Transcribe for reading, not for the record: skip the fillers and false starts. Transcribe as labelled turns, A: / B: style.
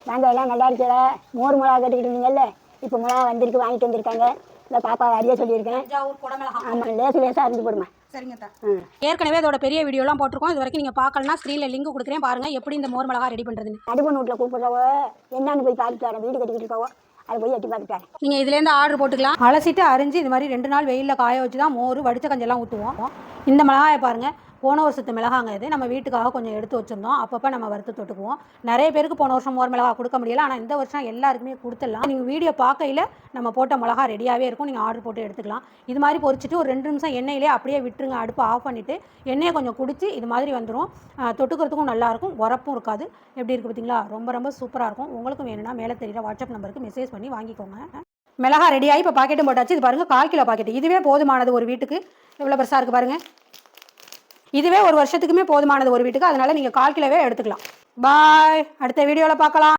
A: நாங்கள் எல்லாம் நல்லா இருக்கல. மோர் மிளகா கட்டிக்கிட்டு இருந்தீங்கல்ல, இப்போ மிளகா வந்திருக்கு, வாங்கிட்டு வந்திருக்காங்க. இந்த பாப்பா அறிய சொல்லியிருக்கேன். ஆமாம், லேசாக அரிஞ்சு போடுமா.
B: சரிங்கத்தா. ஏற்கனவே அதோட பெரிய வீடியோலாம் போட்டிருக்கோம். இது வரைக்கும் நீங்கள் பார்க்கலனா ஸ்க்ரீனில் லிங்க் கொடுக்குறேன், பாருங்கள் எப்படி இந்த மோர் மிளகா ரெடி பண்ணுறதுன்னு.
A: நடுவன் வீட்டில் கூப்பிட்றவோ என்னன்னு போய் பார்த்துட்டு வரேன். வீடு கட்டிக்கிட்டு இருக்கவோ அதை போய் எட்டி பார்த்துட்டாரு.
B: நீங்கள் இதுலேருந்து ஆர்டர் போட்டுக்கலாம். அலசிட்டு அரிஞ்சு இது மாதிரி 2 நாள் வெயிலில் காய வச்சு தான் மோர் வடித்த கஞ்செல்லாம் ஊற்றுவோம். இந்த மிளகாயை பாருங்கள், போன வருஷத்து மிளகாங்க இது. நம்ம வீட்டுக்காக கொஞ்சம் எடுத்து வச்சுருந்தோம். அப்பப்போ நம்ம வறுத்து தொட்டுக்குவோம். நிறைய பேருக்கு போன வருஷம் மோர் மிளகா கொடுக்க முடியல, ஆனால் இந்த வருஷம் எல்லாருக்குமே கொடுத்துடலாம். நீங்கள் வீடியோ பார்க்கையில் நம்ம போட்ட மிளகா ரெடியாகவே இருக்கும். நீங்கள் ஆர்டர் போட்டு எடுத்துக்கலாம். இது மாதிரி பொரிச்சிட்டு ஒரு 2 நிமிஷம் எண்ணெயிலே அப்படியே விட்டுருங்க. அடுப்பு ஆஃப் பண்ணிவிட்டு எண்ணெயை கொஞ்சம் குடிச்சு இது மாதிரி வந்துடும். தொட்டுக்கிறதுக்கும் நல்லாயிருக்கும், உரப்பும் இருக்காது. எப்படி இருக்குது பார்த்தீங்களா? ரொம்ப ரொம்ப சூப்பராக இருக்கும். உங்களுக்கும் வேணும்னா மேலே தெரியுற வாட்ஸ்அப் நம்பருக்கு மெசேஜ் பண்ணி வாங்கிக்கோங்க. மிளகா ரெடியாகி இப்போ பாக்கெட்டும் போட்டாச்சு. இது பாருங்கள், 1/4 கிலோ பாக்கெட். இதுவே போதுமானது ஒரு வீட்டுக்கு. எவ்வளோ பெருசாக இருக்குது பாருங்கள். இதுவே ஒரு வருஷத்துக்குமே போதுமானது ஒரு வீட்டுக்கு. அதனால் நீங்கள் 1/4 கிலோவே எடுத்துக்கலாம். பாய், அடுத்த வீடியோவில் பார்க்கலாம்.